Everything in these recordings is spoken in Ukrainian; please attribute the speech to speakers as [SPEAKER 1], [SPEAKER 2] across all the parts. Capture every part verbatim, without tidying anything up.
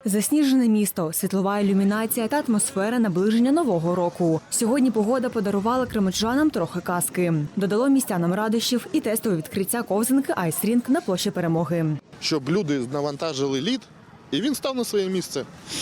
[SPEAKER 1] Засніжене місто, світлова ілюмінація та атмосфера наближення Нового року. Сьогодні погода подарувала кременчужанам трохи казки. Додало містянам радощів і тестове відкриття ковзанки «Айсрінг» на площі Перемоги.
[SPEAKER 2] Щоб люди навантажили лід, і він став на своє місце.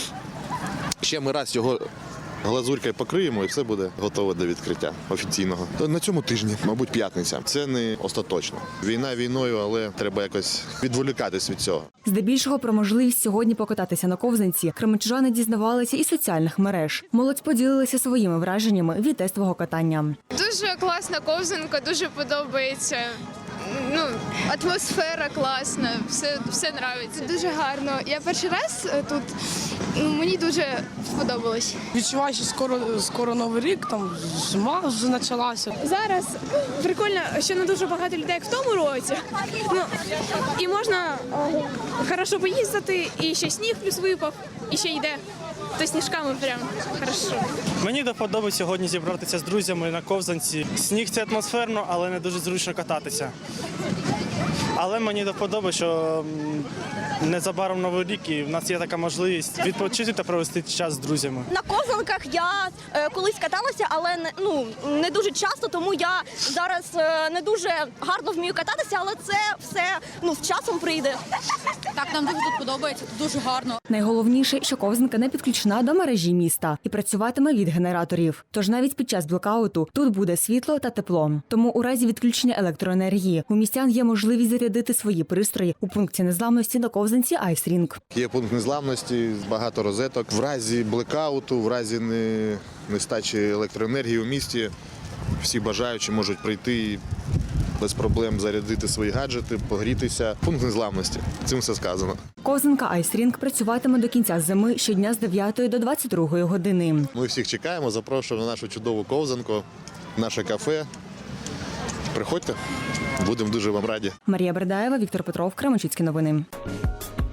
[SPEAKER 2] Ще ми раз його глазурькою покриємо, і все буде готове до відкриття офіційного. На цьому тижні, мабуть, п'ятниця. Це не остаточно. Війна війною, але треба якось відволікатись від цього.
[SPEAKER 1] Здебільшого про можливість сьогодні покататися на ковзанці кременчужани дізнавалися із соціальних мереж. Молодь поділилися своїми враженнями від тестового катання.
[SPEAKER 3] Дуже класна ковзанка, дуже подобається. Ну, атмосфера класна, все, все нравиться.
[SPEAKER 4] Дуже гарно. Я перший раз тут, ну, мені дуже сподобалось.
[SPEAKER 5] Відчуваю, що скоро, скоро Новий рік, там зима вже почалася.
[SPEAKER 4] Зараз прикольно, що не дуже багато людей, як в тому році. Ну, і можна хорошо поїздити, і ще сніг плюс випав, і ще йде. То сніжками прям хорошо.
[SPEAKER 6] Мені до вподоби сьогодні зібратися з друзями на ковзанці. Сніг – це атмосферно, але не дуже зручно кататися. Але мені до вподоби, що незабаром Новий рік, і в нас є така можливість відпочити та провести час з друзями.
[SPEAKER 7] На ковзанках я е, колись каталася, але не, ну, не дуже часто, тому я зараз е, не дуже гарно вмію кататися, але це все ну, з часом прийде.
[SPEAKER 8] Так, нам дуже тут подобається, тут дуже гарно.
[SPEAKER 1] Найголовніше, що ковзанка не підключена до мережі міста і працюватиме від генераторів. Тож навіть під час блекауту тут буде світло та тепло. Тому у разі відключення електроенергії у містян є можливість зарядити свої пристрої у пункті незламності на ковзанці «Айсрінг».
[SPEAKER 2] Є пункт незламності, багато розеток. В разі блекауту, в разі не- нестачі електроенергії у місті всі бажаючі можуть прийти і без проблем зарядити свої гаджети, погрітися. Пункт незламності. Цим все сказано.
[SPEAKER 1] Ковзанка «Айсрінг» працюватиме до кінця зими щодня з дев'ятої до двадцять другої години.
[SPEAKER 2] Ми всіх чекаємо, запрошуємо на нашу чудову ковзанку, наше кафе. Приходьте, будемо дуже вам раді.
[SPEAKER 1] Марія Бердаєва, Віктор Петров, Кременчуцькі новини.